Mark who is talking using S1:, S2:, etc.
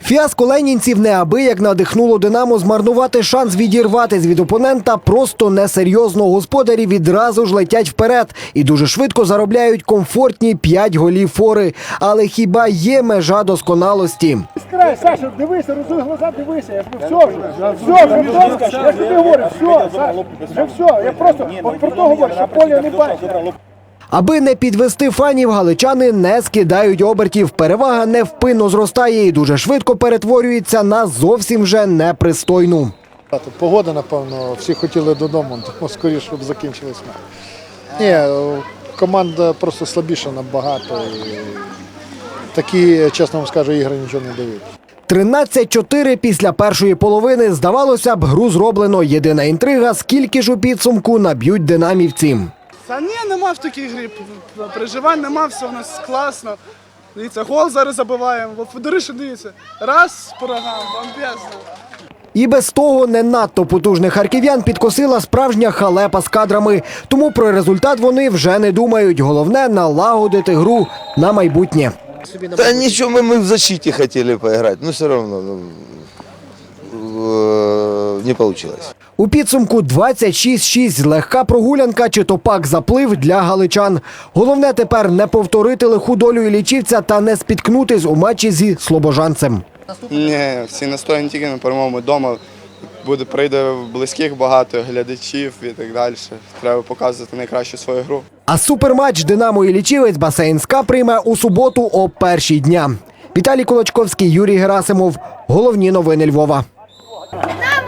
S1: Фіаско ленінців неабияк надихнуло «Динамо» змарнувати шанс відірватись від опонента просто несерйозно. Господарі відразу ж летять вперед і дуже швидко заробляють комфортні 5 голів фори. Але хіба є межа досконалості?
S2: Скрай, Саша, дивися, розуй глаза, дивися. Я все вже, я тобі говорю, все, Саша, вже все. Я просто от про то говорю, що поля не бачу.
S1: Аби не підвести фанів, галичани не скидають обертів. Перевага невпинно зростає і дуже швидко перетворюється на зовсім вже непристойну.
S3: Погода, напевно, всі хотіли додому, тому скоріше, щоб закінчились матч. Ні, команда просто слабіша набагато. І такі, чесно вам скажу, ігри нічого не дають.
S1: 13-4 після першої половини. Здавалося б, гру зроблено. Єдина інтрига – скільки ж у підсумку наб'ють динамівці.
S4: Та ні, нема в такій грі. Переживань нема, все в нас класно. Дивіться, гол зараз забиваємо. Федориша, дивіться. Раз, програм, бомбезно.
S1: І без того не надто потужних харків'ян підкосила справжня халепа з кадрами. Тому про результат вони вже не думають. Головне – налагодити гру на майбутнє.
S5: Да ничего, мы в защите хотели поиграть, но все равно не получилось.
S1: У підсумку 26-6. Легка прогулянка чи то пак заплив для галичан. Головне тепер не повторити лиху долю Іллічівця та не спіткнутись у матчі зі слобожанцем.
S6: Ні, всі настроєні тільки на перемогу вдома. Прийде близьких багато, глядачів і так далі. Треба показувати найкращу свою гру.
S1: А суперматч «Динамо» Іллічівець басейн СКА прийме у суботу о 1-й дня. Віталій Колочковський, Юрій Герасимов. Головні новини Львова.